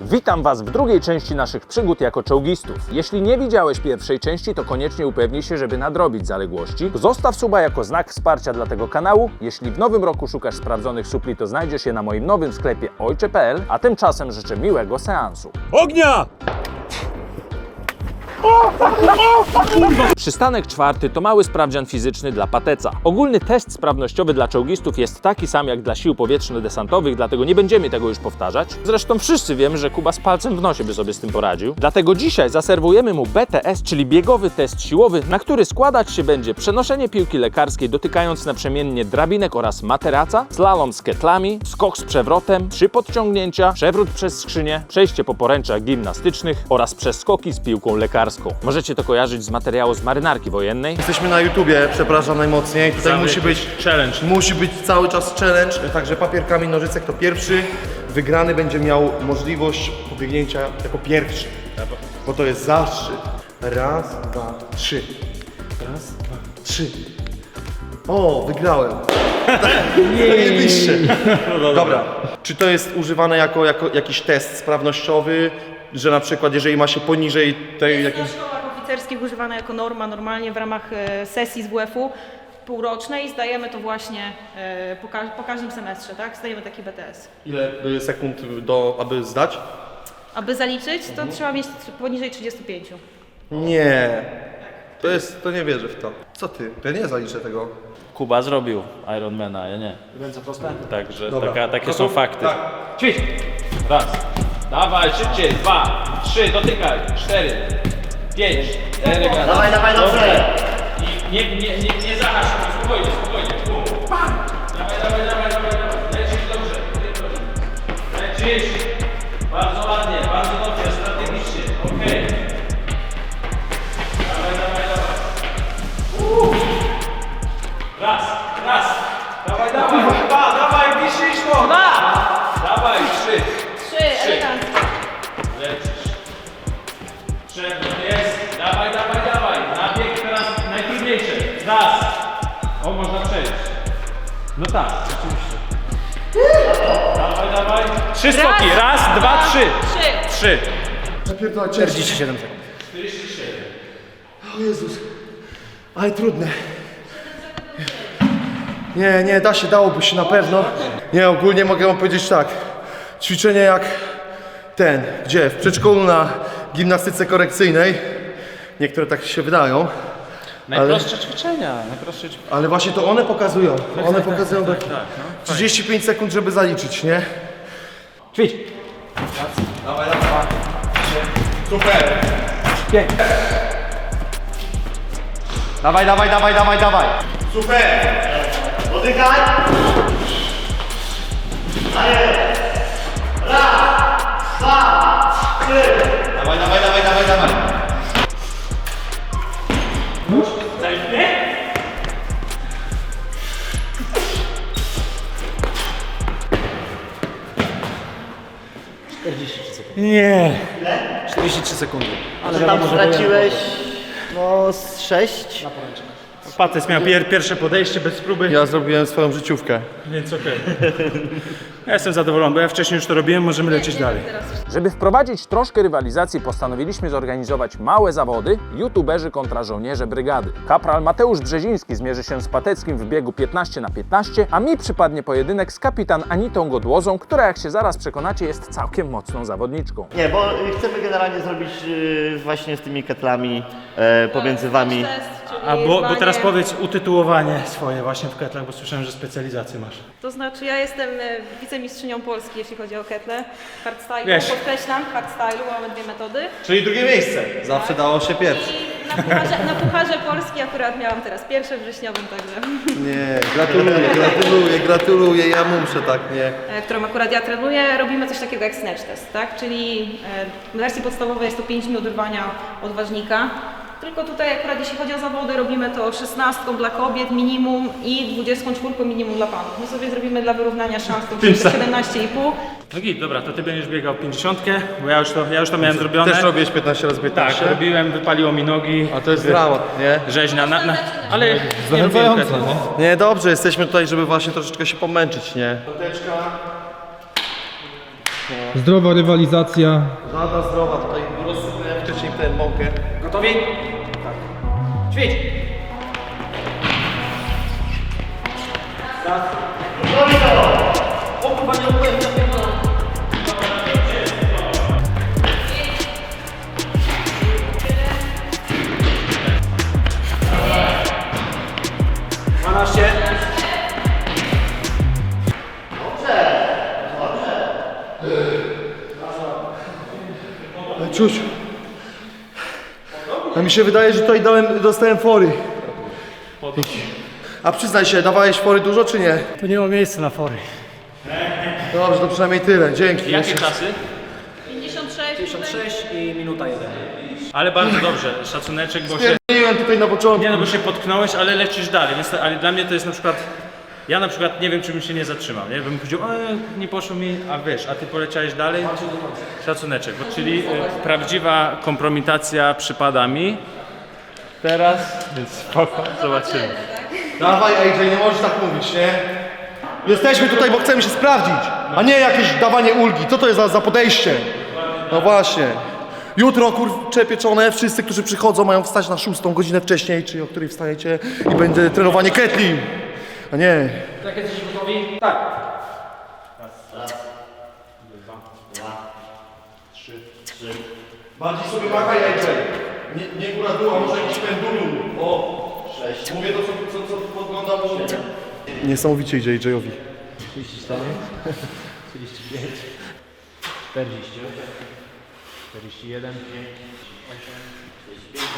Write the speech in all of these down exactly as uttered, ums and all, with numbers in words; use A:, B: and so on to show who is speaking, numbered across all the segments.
A: Witam Was w drugiej części naszych przygód jako czołgistów. Jeśli nie widziałeś pierwszej części, to koniecznie upewnij się, żeby nadrobić zaległości. Zostaw suba jako znak wsparcia dla tego kanału. Jeśli w nowym roku szukasz sprawdzonych supli, to znajdziesz je na moim nowym sklepie ojcze kropka p l, a tymczasem życzę miłego seansu.
B: Ognia!
A: Przystanek czwarty to mały sprawdzian fizyczny dla pateca. Ogólny test sprawnościowy dla czołgistów jest taki sam jak dla sił powietrzno-desantowych, dlatego nie będziemy tego już powtarzać. Zresztą wszyscy wiemy, że Kuba z palcem w nosie by sobie z tym poradził. Dlatego dzisiaj zaserwujemy mu B T S, czyli biegowy test siłowy, na który składać się będzie przenoszenie piłki lekarskiej dotykając naprzemiennie drabinek oraz materaca, slalom z ketlami, skok z przewrotem, trzy podciągnięcia, przewrót przez skrzynię, przejście po poręczach gimnastycznych oraz przeskoki z piłką lekarską. Możecie to kojarzyć z materiału z marynarki wojennej.
C: Jesteśmy na YouTubie, przepraszam najmocniej. Tutaj
B: Cały
C: musi być
B: challenge.
C: Musi być cały czas challenge, także papier, kamień, nożyce, kto pierwszy wygrany będzie miał możliwość pobiegnięcia jako pierwszy. Bo to jest zastrzyk. Raz, dwa, trzy. Raz, dwa, trzy. O, wygrałem. Zajebiście. Dobra. Czy to jest używane jako, jako jakiś test sprawnościowy, że na przykład jeżeli ma się poniżej tej
D: Jest
C: jakiejś...
D: w szkołach oficerskich używana jako norma normalnie w ramach e, sesji z W F u półrocznej. Zdajemy to właśnie e, po, ka po każdym semestrze, tak? Zdajemy taki B T S.
C: Ile sekund, do, aby zdać?
D: Aby zaliczyć, to trzeba mieć poniżej trzydziestu pięciu.
C: Nie. To jest, to nie wierzę w to. Co ty? Ja nie zaliczę tego.
B: Kuba zrobił Ironmana, ja nie.
C: Ręce proste?
B: Także
C: Dobra.
B: taka, takie
C: Gotów?
B: są fakty.
C: Tak.
B: Ćwicz! Raz. Dawaj, szybciej. Dwa, trzy, dotykaj. Cztery, pięć. Elegancko.
E: Dawaj, dawaj, dobrze.
B: I nie, nie, nie, nie zahasz się, spokojnie, spokojnie. Bum. Pam! Dawaj, dawaj, dawaj, dawaj, dawaj. Lecisz dobrze. Lecisz. Bardzo ładnie, bardzo dobrze, strategicznie. Okej. Okay. Dawaj, dawaj, dawaj. Uh. Raz, raz. Dawaj, dawaj, dwa, dawaj, bliżej szło. Dwa. Dawaj, trzy.
D: Trzy, elegancko.
B: Lecisz. Przewrót jest. Dawaj, dawaj, dawaj. Nabieg teraz najtrudniejszy. Raz. O, można przejść. No tak, oczywiście. Dawaj, dawaj. Trzy skoki. Raz, dwa, trzy.
D: Trzy.
B: Trzy.
C: Zapierdolę czterdzieści siedem sekund.
B: czterdzieści siedem.
C: O Jezus. Ale trudne. Nie, nie, da się, dałoby się na pewno. Nie, ogólnie mogę wam powiedzieć tak. Ćwiczenie jak ten, gdzie? W przedszkolu na gimnastyce korekcyjnej. Niektóre tak się wydają.
B: Najprostsze ćwiczenia. Najprostsze ćwiczenia.
C: Ale właśnie to one pokazują. One pokazują tak,
B: Tak, no.
C: trzydzieści pięć sekund, żeby zaliczyć, nie?
B: Ćwicz.
C: Dawaj, dawaj. Super.
B: Pięć.
E: Dawaj, dawaj, dawaj, dawaj, dawaj.
C: Super.
E: Oddychaj. Raz, dwa, trzy. Dawaj, dawaj, dawaj, dawaj, dawaj.
B: Nie.
C: czterdzieści trzy sekundy.
E: Ale tam straciłeś no z sześć.
B: Patec miał pier pierwsze podejście bez próby,
C: Ja zrobiłem swoją życiówkę.
B: więc okej. Ja jestem zadowolony, bo ja wcześniej już to robiłem, możemy lecieć dalej.
A: Żeby wprowadzić troszkę rywalizacji, postanowiliśmy zorganizować małe zawody youtuberzy kontra żołnierze brygady. Kapral Mateusz Brzeziński zmierzy się z Pateckim w biegu piętnaście na piętnaście, a mi przypadnie pojedynek z kapitan Anitą Godłozą, która, jak się zaraz przekonacie, jest całkiem mocną zawodniczką.
E: Nie, bo chcemy generalnie zrobić y, właśnie z tymi ketlami e, pomiędzy wami.
D: Test, czyli
B: A bo, bo
D: zdanie.
B: teraz powiedz utytułowanie swoje właśnie w ketlach, bo słyszałem, że specjalizację masz.
D: To znaczy ja jestem e, wicemistrzynią Polski, jeśli chodzi o ketle. Hardstyle,
B: Wiesz.
D: podkreślam, hardstyle, mamy dwie metody.
C: Czyli drugie miejsce. Zawsze dało się pierwsze.
D: I na pucharze, na pucharze Polski akurat miałam teraz pierwsze wrześniowym, także.
C: Nie, gratuluję, gratuluję, gratuluję, ja muszę tak, nie.
D: e, którą akurat ja trenuję, robimy coś takiego jak snatch test, tak? Czyli e, w wersji podstawowej jest to pięć minut rwania odważnika. Tylko tutaj akurat jeśli chodzi o zawody, robimy to szesnastką dla kobiet minimum i dwudziestką czwórką minimum dla panów. My sobie zrobimy dla wyrównania szans to siedemnaście i pół.
B: No git, dobra, to ty będziesz biegał pięćdziesiątkę, bo ja już to, ja już to miałem zrobione.
C: Też robiłeś piętnaście razy
B: Tak,
C: piętnaście?
B: robiłem, wypaliło mi nogi.
C: A to jest dramat, nie?
B: Rzeźnia, na, na, ale nie robiłem ketla.
C: Nie, dobrze, jesteśmy tutaj, żeby właśnie troszeczkę się pomęczyć, nie? Piąteczka.
F: Zdrowa rywalizacja.
C: Żadna zdrowa, tutaj rozsupujemy wcześniej ten mąkę.
B: Gotowi? Tak. Ćwicz!
C: O kurwa, nie upewniam.
B: dwanaście.
C: Czuć. A mi się wydaje, że tutaj dałem, dostałem fory. A przyznaj się, dawałeś fory dużo czy nie?
G: Tu nie ma miejsca na fory.
C: Dobrze, to przynajmniej tyle. Dzięki.
B: Jakie czasy?
D: pięćdziesiąt sześć.
G: pięćdziesiąt sześć i minuta jeden.
B: Ale bardzo dobrze, szacuneczek, bo się...
C: Stwierdziłem tutaj na początku.
B: Nie no, bo się potknąłeś, ale lecisz dalej, więc, ale dla mnie to jest na przykład... Ja na przykład nie wiem, czy bym się nie zatrzymał, nie? Bym powiedział, e, nie poszło mi, a wiesz, a ty poleciałeś dalej? Szacuneczek, bo, czyli y, prawdziwa kompromitacja przypada mi. Teraz, więc spoko, zobaczymy.
C: Dawaj A J, nie możesz tak mówić, nie? Jesteśmy tutaj, bo chcemy się sprawdzić, a nie jakieś dawanie ulgi. Co to jest za, za podejście? No właśnie. Jutro, kurcze pieczone, wszyscy, którzy przychodzą, mają wstać na szóstą godzinę wcześniej, czyli o której wstajecie i będzie trenowanie kettley. A nie.
B: Tak, jesteście gotowi? Tak.
C: Bardziej sobie machaj A J. Nie, nie góra dół, a może jakiś pendulum. O, sześć. Mówię to, co, co, co podgląda po... Niesamowicie idzie A J-owi.
G: trzydzieści cztery, trzydzieści pięć, czterdzieści, czterdzieści jeden, osiem, czterdzieści pięć,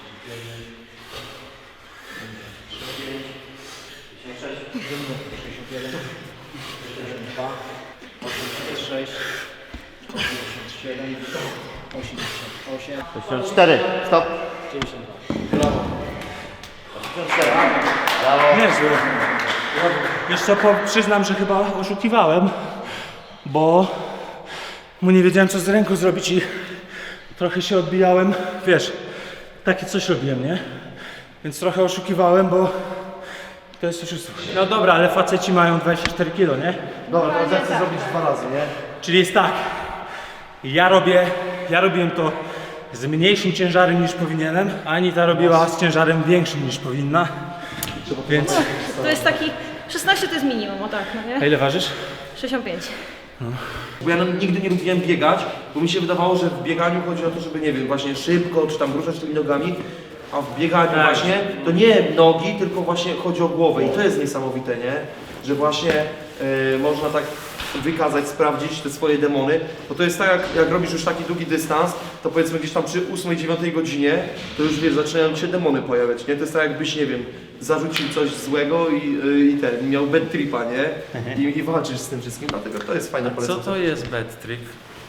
G: sześćdziesiąt jeden, sześćdziesiąt dwa, osiemdziesiąt sześć, osiemdziesiąt siedem, osiemdziesiąt osiem,
E: sześćdziesiąt cztery. Stop.
G: dziewięćdziesiąt dwa.
E: osiemdziesiąt cztery. Brawo.
G: Niezły. Wiesz co, po, przyznam, że chyba oszukiwałem, bo mu nie wiedziałem, co z ręką zrobić i trochę się odbijałem. Wiesz, takie coś robiłem, nie? Więc trochę oszukiwałem, bo to jest oszustwo. No dobra, ale faceci mają dwadzieścia cztery kilo, nie?
C: Dobra, to ja chcę zrobić dwa razy, nie?
G: Czyli jest tak, ja robię, ja robiłem to z mniejszym ciężarem niż powinienem, a Anita robiła z ciężarem większym niż powinna, więc...
D: To jest taki, szesnaście to jest minimum, o tak, no
G: A
D: nie?
G: ile ważysz?
D: sześćdziesiąt pięć.
C: Bo ja no, nigdy nie lubiłem biegać, bo mi się wydawało, że w bieganiu chodzi o to, żeby, nie wiem, właśnie szybko, czy tam ruszać tymi nogami, a w bieganiu
G: Tak.
C: właśnie to nie nogi, tylko właśnie chodzi o głowę i to jest niesamowite, nie? Że właśnie e, można tak wykazać, sprawdzić te swoje demony, bo to jest tak, jak, jak robisz już taki długi dystans, to powiedzmy gdzieś tam przy ósmej, dziewiątej godzinie, to już wiesz, zaczynają ci się demony pojawiać, nie? To jest tak, jakbyś, nie wiem, zarzucił coś złego i, y, i ten, miał bad tripa, nie? I, I walczysz z tym wszystkim, dlatego to jest fajne
B: Co
C: polecenie.
B: to jest bad trip?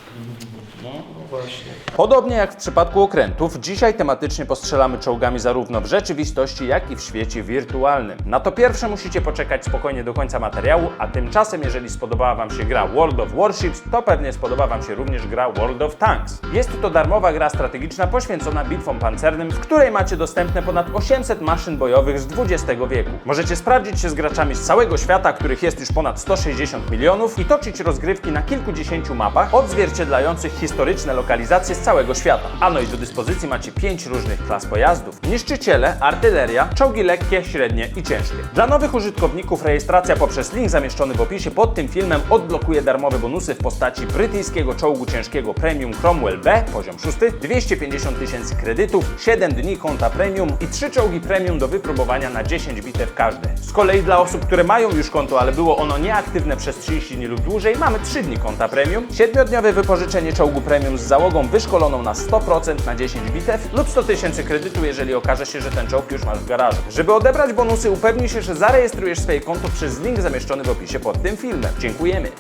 C: Właśnie.
A: Podobnie jak w przypadku okrętów, dzisiaj tematycznie postrzelamy czołgami zarówno w rzeczywistości, jak i w świecie wirtualnym. Na to pierwsze musicie poczekać spokojnie do końca materiału, a tymczasem, jeżeli spodobała Wam się gra World of Warships, to pewnie spodoba Wam się również gra World of Tanks. Jest to darmowa gra strategiczna poświęcona bitwom pancernym, w której macie dostępne ponad osiemset maszyn bojowych z dwudziestego wieku. Możecie sprawdzić się z graczami z całego świata, których jest już ponad sto sześćdziesiąt milionów i toczyć rozgrywki na kilkudziesięciu mapach odzwierciedlających historyczne lokalizacje z całego świata. A no i do dyspozycji macie pięć różnych klas pojazdów: niszczyciele, artyleria, czołgi lekkie, średnie i ciężkie. Dla nowych użytkowników rejestracja poprzez link zamieszczony w opisie pod tym filmem odblokuje darmowe bonusy w postaci brytyjskiego czołgu ciężkiego Premium Cromwell B, poziom szósty, dwieście pięćdziesiąt tysięcy kredytów, siedem dni konta Premium i trzy czołgi Premium do wypróbowania na dziesięć bitew każde. Z kolei dla osób, które mają już konto, ale było ono nieaktywne przez trzydzieści dni lub dłużej, mamy trzy dni konta Premium, siedmiodniowe wypożyczenie czołgu Premium z załogą wyszkoloną na sto procent na dziesięć bitew lub sto tysięcy kredytu, jeżeli okaże się, że ten czołg już masz w garażu. Żeby odebrać bonusy, upewnij się, że zarejestrujesz swoje konto przez link zamieszczony w opisie pod tym filmem. Dziękujemy.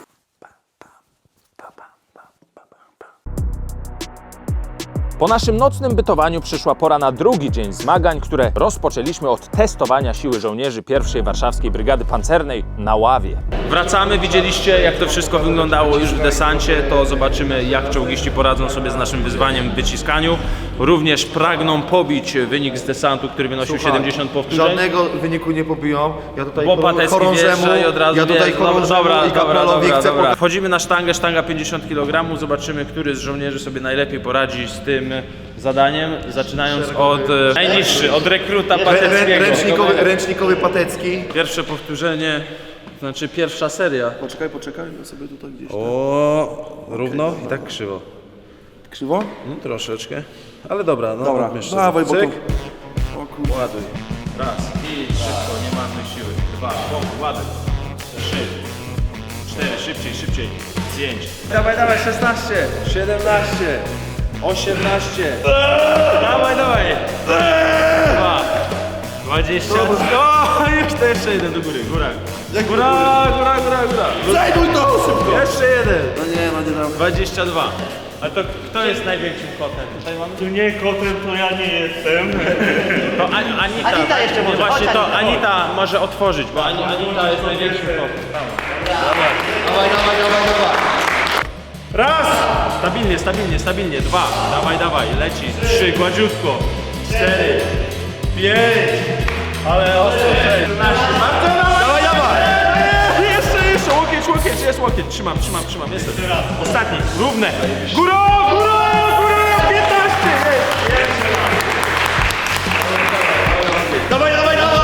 A: Po naszym nocnym bytowaniu przyszła pora na drugi dzień zmagań, które rozpoczęliśmy od testowania siły żołnierzy pierwszej Warszawskiej Brygady Pancernej na ławie.
B: Wracamy, widzieliście jak to wszystko wyglądało już w desancie, to zobaczymy jak czołgiści poradzą sobie z naszym wyzwaniem w wyciskaniu. Również pragną pobić wynik z desantu, który wynosi siedemdziesiąt powtórzeń.
C: Żadnego wyniku nie pobiją. Ja tutaj
B: Bo Patecki
C: chorążemu,
B: wjeżdża i od razu
C: ja tutaj
B: wjeżdża. Dobra,
C: chorążemu
B: dobra,
C: i
B: dobra,
C: kapralowi
B: dobra,
C: chcę
B: dobra.
C: pokazać.
B: Wchodzimy na sztangę, sztanga pięćdziesiąt kilogramów, zobaczymy, który z żołnierzy sobie najlepiej poradzi z tym zadaniem, zaczynając od e, najniższy, od rekruta
C: Rę,
B: Pateckiego.
C: ręcznikowy, ręcznikowy Patecki.
B: Pierwsze powtórzenie, znaczy pierwsza seria.
C: Poczekaj, poczekaj, ja sobie tutaj gdzieś.
B: O, równo i tak krzywo.
C: Krzywo?
B: No, troszeczkę, ale dobra, no
C: Dobra,
B: jeszcze.
C: dawaj, bo
B: Cyk.
C: tu... O kurde.
B: Ładuj. Raz, i szybko, nie marnuj siły. Dwa, bom, ładuj. Trzy, cztery, szybciej, szybciej. Pięć. Dawaj, dawaj, szesnaście, siedemnaście, osiemnaście. Dawaj, dawaj. Dwa, dwadzieścia. O, jeszcze, jeszcze jeden do góry, góra. Góra, góra, góra, góra.
C: Zajduj to szybko!
B: Jeszcze jeden.
C: No nie, no nie dam.
B: dwadzieścia dwa. A to kto jest największym kotem? Tutaj mamy?
G: Tu nie kotem, to ja nie jestem.
B: To Ani- Anita.
E: Anita jeszcze może,
B: Właśnie
E: chodź,
B: to
E: Anita,
B: Anita może otworzyć, bo Ani- Anita jest największym kotem.
C: Dawaj, dawaj, dawaj, dawaj.
B: Raz! Stabilnie, stabilnie, stabilnie. Dwa. Dawaj, dawaj. Leci. Trzy. Gładziutko. Cztery. Pięć. Ale ostro. Sześć. Dawaj, dawaj. Jeszcze, jeszcze. Łokieć, łokieć. Jest łokieć. Trzymam, trzymam, trzymam. Jestem. Ostatni. Równe. Górą, górą, górą. piętnaście. Jest.
C: Dawaj, dawaj, dawaj!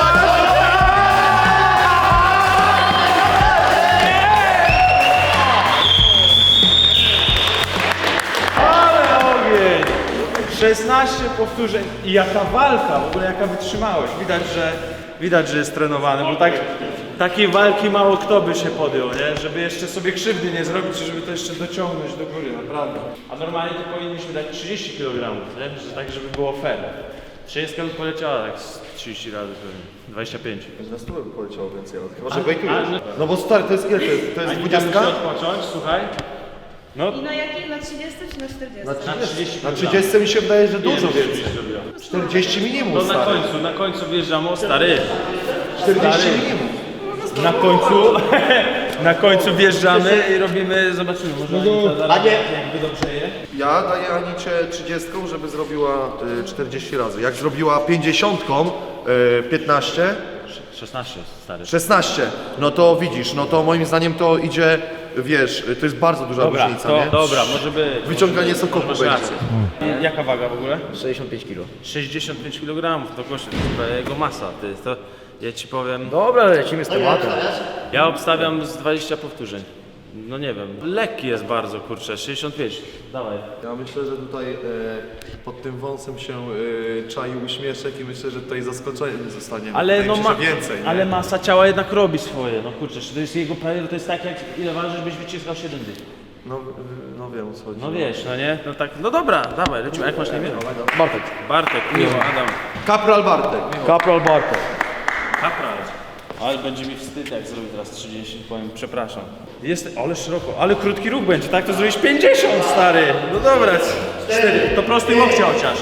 B: Ale ogień! szesnaście powtórzeń i jaka walka, w ogóle jaka wytrzymałość. Widać, że widać, że jest trenowany, bo tak, takiej walki mało kto by się podjął, nie? Żeby jeszcze sobie krzywdy nie zrobić, żeby to jeszcze dociągnąć do góry, naprawdę. A normalnie to powinniśmy dać trzydzieści kilogramów, nie? Że tak, żeby było fair. trzydzieści by poleciała tak z trzydzieści razy pewnie. dwadzieścia pięć.
C: Na stówę by poleciało więcej, ale chyba, że wejtujesz. No bo stary, to jest ile? To jest, to jest
B: Ani tam
C: dwudziestka?
B: musi odpocząć, słuchaj. No,
D: I na jakiej? Na trzydziestym czy na czterdziestym?
B: na trzydzieści
C: Na trzydziestce mi się wydaje, że dużo
B: Ile
C: więcej.
B: byś zrobiła?
C: czterdzieści minimum,
B: To na
C: stary.
B: końcu, na końcu wjeżdżamy, o stary.
C: czterdzieści
B: stary.
C: minimum.
B: Na końcu, na końcu wjeżdżamy i robimy, zobaczymy, może Anita zaraz,
E: A nie.
B: jakby dobrze je.
C: Ja daję Anicie trzydziestką, żeby zrobiła y, czterdzieści razy. Jak zrobiła pięćdziesiątką, y, piętnaście,
B: szesnaście, stary.
C: szesnaście, no to widzisz, no to moim zdaniem to idzie, wiesz, y, to jest bardzo duża
B: Dobra,
C: różnica,
B: to,
C: nie?
B: dobra, może być.
C: Wyciąganie sokowu
B: Masz
C: będzie.
B: rację. Jaka waga w ogóle?
E: sześćdziesiąt pięć kilo.
B: sześćdziesiąt pięć kilogramów, to kosztuje, to jest jego masa, ty, to ja ci powiem,
E: Dobra, lecimy z tematem.
B: ja obstawiam z dwadzieścia powtórzeń. No nie wiem, lekki jest bardzo, kurczę, sześćdziesiąt pięć, dawaj.
C: Ja myślę, że tutaj e, pod tym wąsem się e, czai uśmieszek i myślę, że tutaj zaskoczenie zostanie.
B: Ale
C: Wydaje
B: no
C: mi się,
B: ma,
C: że więcej, nie?
B: ale masa ciała jednak robi swoje, no kurczę, to jest jego prawie, to jest tak jak ile ważysz, byś wyciskał siedem dych.
C: No, y, no wiem o co chodzi.
B: No wiesz, no nie? No tak, no dobra, dawaj, lecimy, jak masz na imię?
E: Bartek.
B: Bartek, miło, Adam.
C: Kapral Bartek.
E: Kapral Bartek.
B: Kapral. Ale będzie mi wstyd, jak zrobię teraz trzydzieści, powiem, przepraszam. Jest, ale szeroko, ale krótki ruch będzie, tak? To zrobisz pięćdziesiąt, stary. No dobra, cztery. To prostuj łokcie chociaż.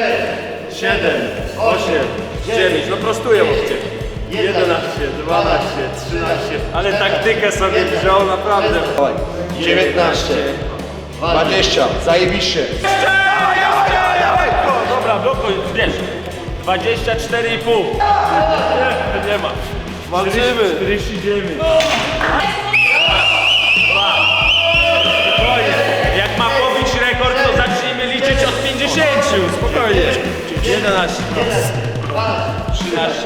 B: siedem, osiem, dziewięć, no prostuję łokcie. jedenaście, dwanaście, trzynaście. Ale taktykę sobie wziął, naprawdę.
C: dziewiętnaście, dwadzieścia, zajebiście.
B: O, dobra, blokuj, wiesz. dwadzieścia cztery i pół. Nie, nie ma.
C: Walczymy.
B: czterdzieści dziewięć. Spokojnie. Jak ma pobić rekord, to zacznijmy liczyć od pięćdziesięciu. Spokojnie. jedenaście. trzynaście.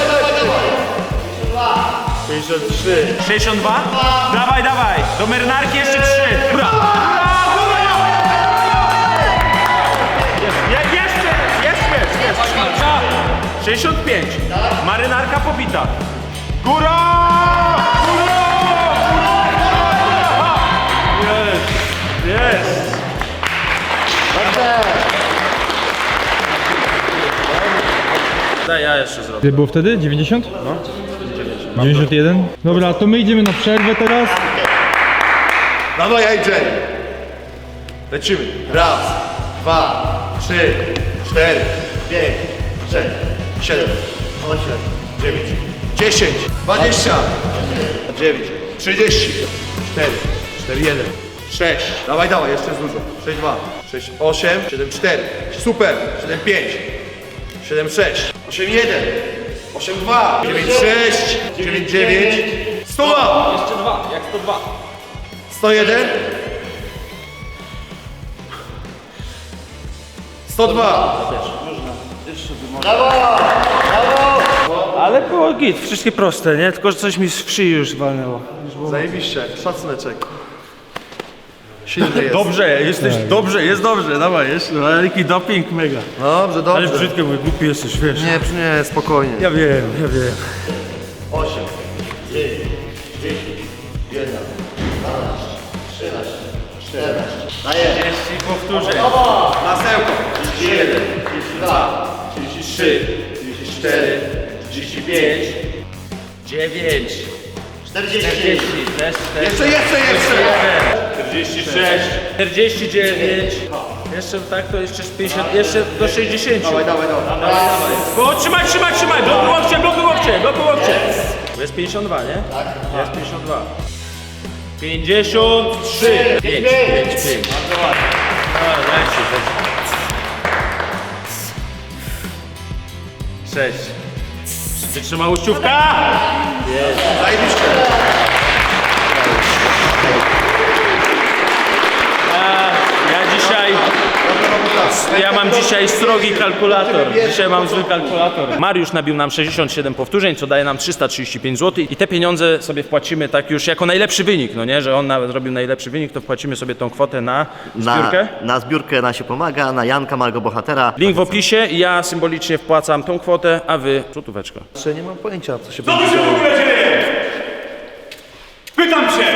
B: pięćdziesiąt trzy. sześćdziesiąt dwa? Dawaj, dawaj. Do marynarki jeszcze trzy. Dobra. Je, jeszcze, jeszcze, jeszcze. sześćdziesiąt pięć. Marynarka pobita. Góra! Góra! Góra! Jest! Jest! Daj, ja jeszcze zrobię.
F: Ile było wtedy? dziewięćdziesiąt? No. dziewięćdziesiąt jeden? Dobra, to my idziemy na przerwę teraz.
C: Dawaj, A J. Lecimy. Raz, dwa, trzy, cztery, pięć, sześć, siedem, osiem, dziewięć, dziesięć, dwadzieścia, dziewięć, trzydzieści, cztery, cztery, jeden, sześć. Dawaj, dawaj, jeszcze jest dużo. sześć, dwa, sześć, osiem, siedem, cztery. Super. siedem, pięć, siedem, sześć, osiem, jeden, osiem, dwa, dziewięć, sześć, dziewięć, dziewięć, sto dwa,
B: Jeszcze dwa, jak sto dwa.
C: sto jeden, sto dwa.
G: Ale było git, wszystkie proste, nie? Tylko że coś mi w szyi już walnęło.
C: Zajebiście, szacuneczek. Silny jest.
G: Dobrze, jesteś, dobrze, jest dobrze, dawaj, jeszcze. Ale jaki doping, mega.
C: Dobrze,
G: Ale
C: dobrze.
G: brzydkie, mój głupi jesteś, wiesz.
C: Nie, nie, spokojnie.
G: Ja wiem, ja wiem.
C: Masełko. trzydzieści jeden, trzydzieści dwa, trzydzieści trzy, trzydzieści cztery, trzydzieści pięć, dziewięć,
E: czterdzieści.
C: jeszcze, jeszcze, jeszcze.
B: czterdzieści sześć, czterdzieści dziewięć. Jeszcze tak, to jeszcze z pięćdziesiąt, jeszcze do sześćdziesięciu.
C: Dawaj, dawaj, dawaj.
B: Bo trzymaj, trzymaj, trzymaj! Blokuj łokcie, blokuj łokcie, blokuj łokcie! Jest pięćdziesiąt dwa, nie? Tak. Jest pięćdziesiąt dwa. pięćdziesiąt trzy. pięć, pięć, pięć. Bardzo ładnie. A, leci, leci. sześć. Wytrzyma łuściówka!
C: Zajebiście.
B: Ja dzisiaj... Ja mam dzisiaj srogi kalkulator. Dzisiaj mam zły kalkulator. Mariusz nabił nam sześćdziesiąt siedem powtórzeń, co daje nam trzysta trzydzieści pięć złotych i te pieniądze sobie wpłacimy tak już jako najlepszy wynik, no nie? Że on nawet zrobił najlepszy wynik, to wpłacimy sobie tą kwotę na
E: Na,
B: zbiórkę.
E: na zbiórkę na się pomaga, na Janka, małego bohatera.
B: Link w opisie i ja symbolicznie wpłacam tą kwotę, a wy złotóweczkę.
C: Jeszcze nie mam pojęcia, co się
H: Co
C: będzie
H: tu się w
C: działo.
H: ogóle dzieje? Pytam się!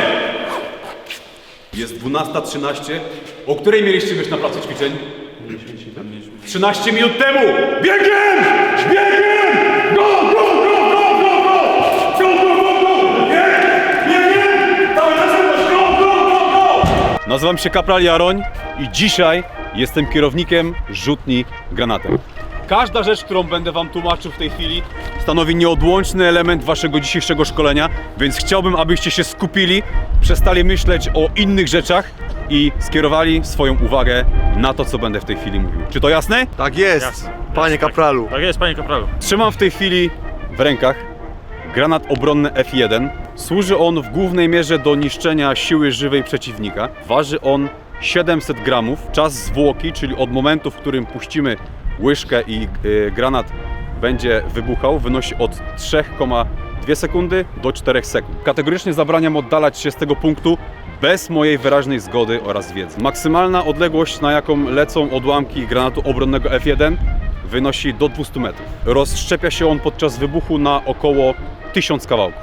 H: Jest dwunasta trzynaście. O której mieliście być na placu ćwiczeń? trzynaście minut temu! Biegiem! Biegiem! Go, go, go, go, go, go! Go, go, go, go! Bieg! Biegiem! Dawaj na zewnątrz! Go, go, go, go! Nazywam się Kapral Jaroń i dzisiaj jestem kierownikiem rzutni granatem. Każda rzecz, którą będę wam tłumaczył w tej chwili, stanowi nieodłączny element waszego dzisiejszego szkolenia, więc chciałbym, abyście się skupili, przestali myśleć o innych rzeczach i skierowali swoją uwagę na to, co będę w tej chwili mówił. Czy to jasne?
C: Tak jest, panie kapralu.
B: Tak jest, panie kapralu.
H: Trzymam w tej chwili w rękach granat obronny F jeden. Służy on w głównej mierze do niszczenia siły żywej przeciwnika. Waży on siedemset gramów. Czas zwłoki, czyli od momentu, w którym puścimy łyżkę i y, granat będzie wybuchał, wynosi od trzy przecinek dwie sekundy do czterech sekund. Kategorycznie zabraniam oddalać się z tego punktu bez mojej wyraźnej zgody oraz wiedzy. Maksymalna odległość, na jaką lecą odłamki granatu obronnego F jeden, wynosi do dwustu metrów. Rozszczepia się on podczas wybuchu na około tysiąc kawałków.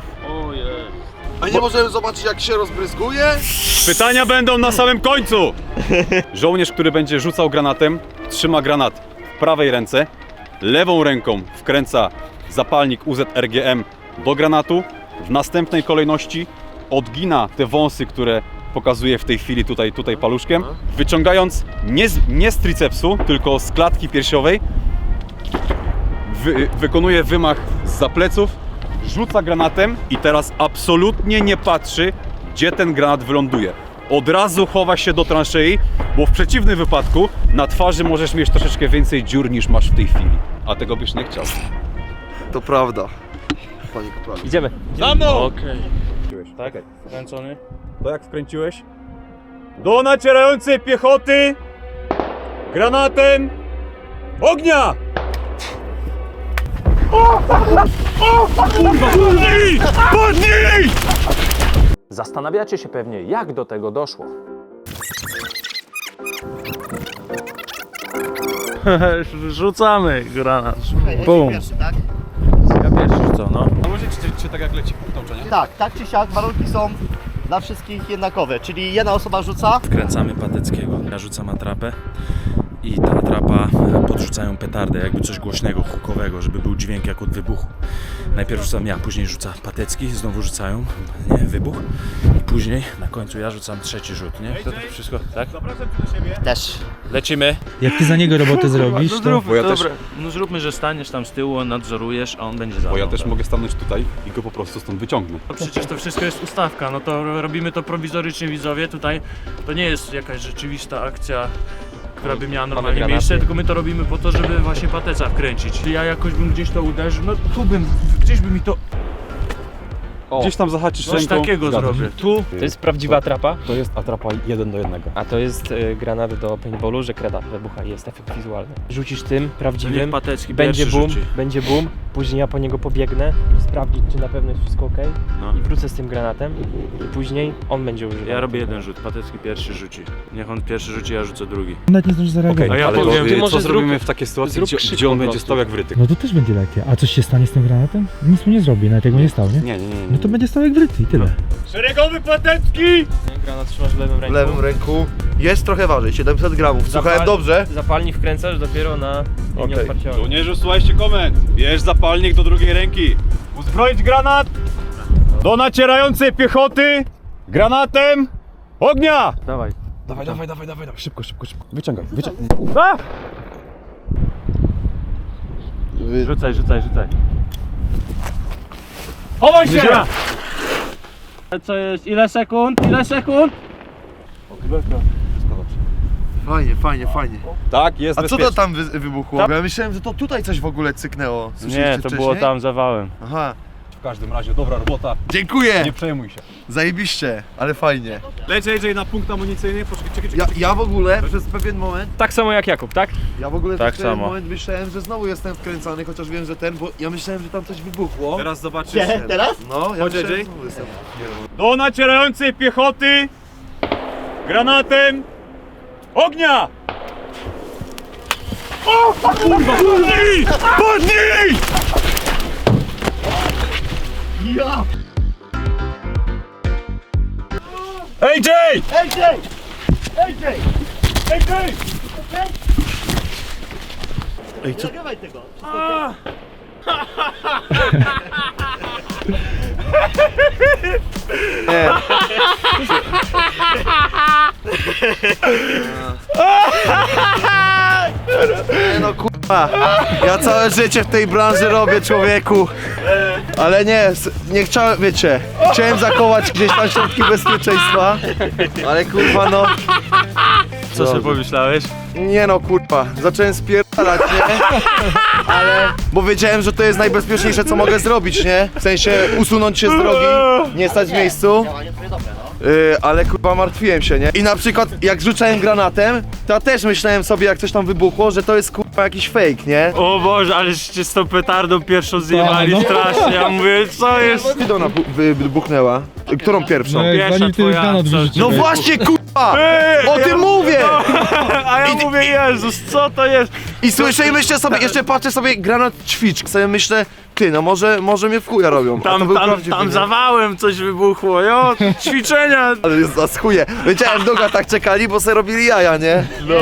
C: A nie możemy zobaczyć, jak się rozbryzguje?
H: Pytania będą na samym końcu! Żołnierz, który będzie rzucał granatem, trzyma granat w prawej ręce, lewą ręką wkręca zapalnik U Z R G M do granatu, w następnej kolejności odgina te wąsy, które pokazuje w tej chwili tutaj, tutaj paluszkiem, wyciągając nie z, nie z tricepsu, tylko z klatki piersiowej, wy, wykonuje wymach zza pleców, rzuca granatem i teraz absolutnie nie patrzy, gdzie ten granat wyląduje. Od razu chowa się do transzei, bo w przeciwnym wypadku na twarzy możesz mieć troszeczkę więcej dziur niż masz w tej chwili. A tego byś nie chciał.
C: To prawda, panie kapralu.
B: Idziemy.
H: Za mną!
B: Okej. Tak? Kręcony?
H: To jak wkręciłeś? Do nacierającej piechoty granatem ognia! Podnij! Podnij!
A: Zastanawiacie się pewnie, jak do tego doszło.
B: Rzucamy granat.
E: Bum. Pierwszy, tak?
B: Ja pierwszy co, no.
H: A możecie czy tak jak leci punkt nauczania?
E: Tak, tak czy siak, warunki są dla wszystkich jednakowe, czyli jedna osoba rzuca.
B: Wkręcamy Pateckiego. Ja rzucam atrapę
I: i ta atrapa podrzucają petardę, jakby coś głośnego, hukowego, żeby był dźwięk jak od wybuchu. Najpierw rzucam ja, później rzuca Patecki, znowu rzucają, nie, wybuch i później na końcu ja rzucam trzeci rzut, nie? To, to wszystko, tak?
E: Też.
A: Lecimy.
F: Jak ty za niego robotę zrobisz,
A: No
F: to...
A: zróbmy,
H: Bo ja
A: dobra.
H: też-
A: No zróbmy, że staniesz tam z tyłu, nadzorujesz, a on będzie za
H: Bo ja
A: mną,
H: też
A: tak?
H: mogę stanąć tutaj i go po prostu stąd wyciągnę.
B: No przecież to wszystko jest ustawka, no to robimy to prowizorycznie, widzowie, tutaj to nie jest jakaś rzeczywista akcja, która by miała normalnie
A: granaty.
B: miejsce, tylko my to robimy po to, żeby właśnie pateca wkręcić. Ja jakoś bym gdzieś to uderzył, no tu bym, gdzieś by mi to,
H: Gdzieś tam zahaczysz
B: coś
H: ręką.
B: takiego
H: zgadza się.
B: zrobię. Tu,
J: To jest prawdziwa atrapa,
H: To jest atrapa jeden do jednego.
J: a to jest y, granat do paintballu, że kreda wybucha i jest efekt wizualny. Rzucisz tym
B: niech
J: prawdziwym,
B: Patecki
J: będzie
B: pierwszy
J: boom,
B: rzuci.
J: będzie boom, później ja po niego pobiegnę, sprawdzić czy na pewno jest wszystko ok
B: No.
J: i wrócę z tym granatem i później on będzie używał.
B: Ja robię jeden rzut, Patecki pierwszy rzuci. Niech on pierwszy rzuci, ja rzucę drugi.
F: Nawet nie zdążysz zareagować.
B: A ja
H: Ale
B: powiem,
H: to,
J: ty
H: y,
J: może
H: co
J: zrób-
H: zrobimy w takiej sytuacji,
J: zrób
H: gdzie,
J: krzyk
H: gdzie on
J: po
H: będzie
J: prostu.
H: stał jak wryty?
F: No to też będzie lepiej. A coś się stanie z tym granatem? Nic mu nie zrobi, nawet jak mu nie stał, nie?
H: Nie, nie, nie. nie.
F: No to będzie stał jak wryty i tyle.
B: Szeregowy Patecki!
J: Granat trzymasz w lewym
C: W
J: ręku.
C: lewym ręku jest trochę waży, siedemset gramów. Słuchałem
J: Zapal-
C: dobrze?
J: Zapalnik wkręcasz dopiero na linię
C: Okej.
J: otwarcia.
H: Żołnierzu, słuchajcie komend. Bierz zapalnik do drugiej ręki. Uzbroić granat do nacierającej piechoty granatem ognia!
J: Dawaj.
H: Dawaj, dawaj, dawaj, dawaj, dawaj. Szybko, szybko, szybko. Wyciągaj, wyciągaj.
B: Rzucaj, rzucaj, rzucaj. Chowaj się! Co jest? Ile sekund? Ile sekund?
C: Fajnie, fajnie, fajnie.
H: Tak, jest
C: A co
H: bezpiecznie.
C: to tam wy wybuchło? Ja myślałem, że to tutaj coś w ogóle cyknęło. Słyszeliście
B: Nie, to
C: wcześniej?
B: było tam zawałem.
C: Aha,
H: W każdym razie dobra robota.
C: dziękuję!
H: Nie przejmuj się.
C: Zajebiście, ale fajnie.
H: Leć, leć na punkt amunicyjny. Poczekaj, czekaj, czekaj.
C: Ja, ja w ogóle przez pewien moment,
J: Tak samo jak Jakub, tak?
C: ja w ogóle
B: Tak
C: przez pewien
B: samo.
C: moment myślałem, że znowu jestem wkręcany, chociaż wiem, że ten, bo ja myślałem, że tam coś wybuchło.
H: Teraz zobaczysz.
E: Nie, teraz?
C: No, ja
H: Chodź,
C: myślałem,
H: J J.
C: że znowu jestem.
H: Do nacierającej piechoty granatem ognia! O, kurwa! Podnij! Podnij!
C: Ja!
H: A J!
C: Ej, ej! Ej, ej!
H: A J!
C: Ej, co?
E: Nagrywaj tego.
C: Nie. Nie no kurwa, ja całe życie w tej branży robię, człowieku. Ale nie, s- nie chciałem, wiecie, chciałem zachować gdzieś tam środki bezpieczeństwa, ale kurwa no,
B: Co sobie pomyślałeś?
C: nie no kurwa, zacząłem spierdalać, nie? Ale, bo wiedziałem, że to jest najbezpieczniejsze co mogę zrobić, nie? W sensie usunąć się z drogi, nie stać w miejscu.
E: Działanie twoje dobre, no.
C: Yy, ale kurwa martwiłem się, nie? I na przykład jak rzucałem granatem, to ja też myślałem sobie jak coś tam wybuchło, że to jest kurwa jakiś fake, nie?
B: O Boże, aleście z tą petardą pierwszą zjebali
F: no.
B: strasznie. Ja mówię, co jest?
C: Kiedy ona bu- wy- wybuchnęła? Którą pierwszą?
F: No jak
B: Pierwsza
F: zanim ty
B: twoja
F: granat
B: akcja.
F: wyrzuciłeś.
C: No właśnie kurwa! O tym mówię!
B: A ja mówię, Jezus, co to jest?
C: I słyszę i myślę sobie, jeszcze patrzę sobie granat ćwicz, sobie myślę, ty no może, może mnie w chuja robią. A to
B: Tam,
C: był
B: tam,
C: prawdziwy,
B: tam
C: nie?
B: zawałem coś wybuchło, jo, ćwiczenia.
C: Ale jest za chuje. Wiedziałem, długo tak czekali, bo sobie robili jaja, nie?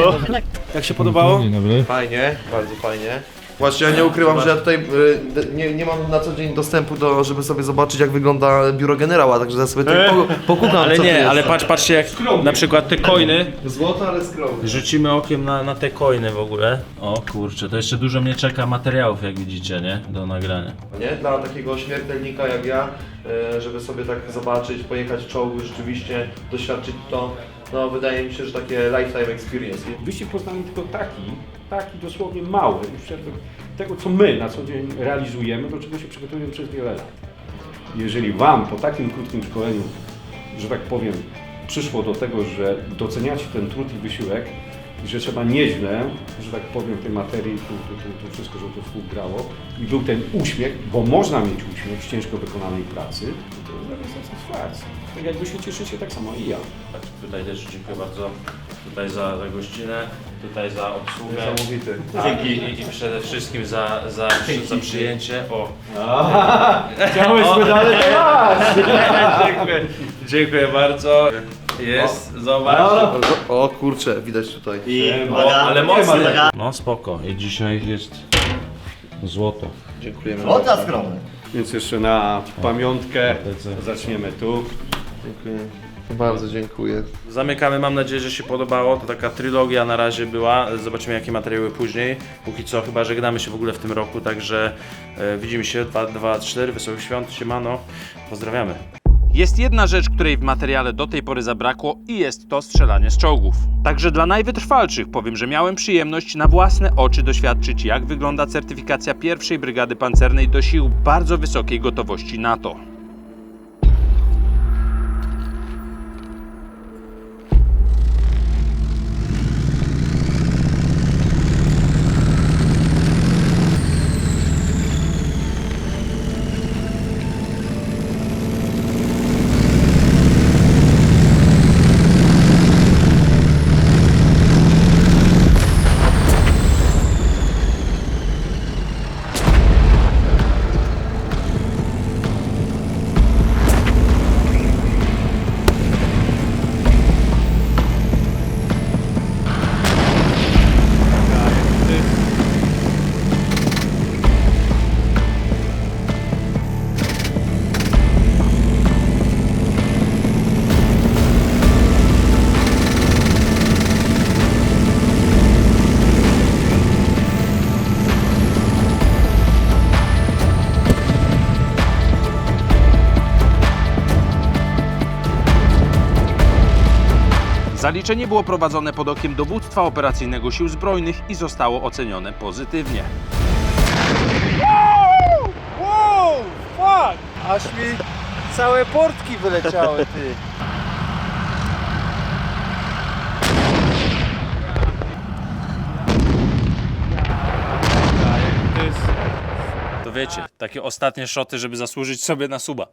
H: Jak się podobało?
F: Dzień dobry.
C: Fajnie, bardzo fajnie. Właśnie ja nie ukrywam, że ja tutaj y, d- nie, nie mam na co dzień dostępu do, żeby sobie zobaczyć jak wygląda biuro generała, także ja sobie tutaj po, pokukam
A: Ale
C: co tu
A: nie,
C: jest.
A: ale patrz, patrzcie jak na przykład te coiny.
C: Złoto, ale skromnie.
A: Rzucimy okiem na, na te coiny w ogóle. O kurczę, to jeszcze dużo mnie czeka materiałów, jak widzicie, nie? Do nagrania.
C: Nie? Dla takiego śmiertelnika jak ja, y, żeby sobie tak zobaczyć, pojechać czołgu, rzeczywiście doświadczyć to, no wydaje mi się, że takie lifetime experience.
K: Wyścig poznamy tylko taki, taki dosłownie mały, już jakby tego co my na co dzień realizujemy, do czego się przygotowujemy przez wiele lat. Jeżeli Wam po takim krótkim szkoleniu, że tak powiem, przyszło do tego, że doceniacie ten trud i wysiłek i że trzeba nieźle, że tak powiem, tej materii, tu, tu, tu, tu wszystko, żeby to współgrało i był ten uśmiech, bo można mieć uśmiech z ciężko wykonanej pracy, to jest dla satysfakcja. Tak jak Wy się cieszycie, tak samo i ja.
A: Tak, tutaj też dziękuję bardzo tutaj za, za gościnę, tutaj za obsługę.
C: Niesamowity.
A: Tak, i, i, i przede wszystkim za, za, za przyjęcie. O.
K: Chciałeś medale?
A: dziękuję, dziękuję bardzo. Jest, Zobaczcie.
C: O kurczę, widać tutaj.
E: I
A: O,
E: uwaga,
A: ale mocny.
E: uwaga.
I: No spoko. I dzisiaj jest złoto.
C: Dziękujemy.
E: Złota skromny.
K: Więc jeszcze na pamiątkę zaczniemy tu.
C: Dziękuję. Bardzo dziękuję.
I: Zamykamy, mam nadzieję, że się podobało. To taka trylogia na razie była. Zobaczymy, jakie materiały później. Póki co chyba żegnamy się w ogóle w tym roku, także e, widzimy się. dwa, dwa, cztery, Wesołych Świąt, siemano. Pozdrawiamy.
A: Jest jedna rzecz, której w materiale do tej pory zabrakło i jest to strzelanie z czołgów. Także dla najwytrwalszych powiem, że miałem przyjemność na własne oczy doświadczyć, jak wygląda certyfikacja pierwszej Brygady Pancernej do sił bardzo wysokiej gotowości NATO. Zaliczenie było prowadzone pod okiem Dowództwa Operacyjnego Sił Zbrojnych i zostało ocenione pozytywnie.
F: Wow, fuck! Aż mi całe portki wyleciały, ty.
A: To wiecie, takie ostatnie szoty, żeby zasłużyć sobie na suba.